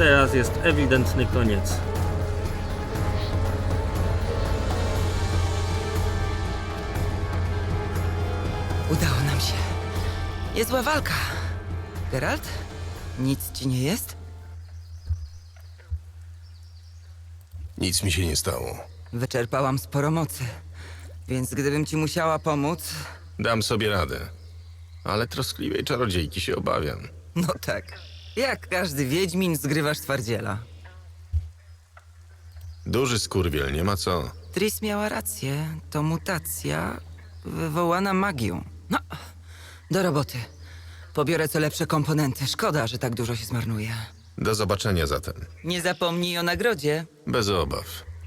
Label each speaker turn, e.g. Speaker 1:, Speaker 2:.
Speaker 1: teraz jest ewidentny koniec.
Speaker 2: Udało nam się. Niezła walka. Geralt? Nic ci nie jest?
Speaker 3: Nic mi się nie stało.
Speaker 2: Wyczerpałam sporo mocy. Więc gdybym ci musiała pomóc...
Speaker 3: Dam sobie radę. Ale troskliwej czarodziejki się obawiam.
Speaker 2: No tak. Jak każdy wiedźmin zgrywasz twardziela.
Speaker 3: Duży skurwiel, nie ma co.
Speaker 2: Tris miała rację. To mutacja wywołana magią. No, do roboty. Pobiorę co lepsze komponenty. Szkoda, że tak dużo się zmarnuje.
Speaker 3: Do zobaczenia zatem.
Speaker 2: Nie zapomnij o nagrodzie.
Speaker 3: Bez obaw.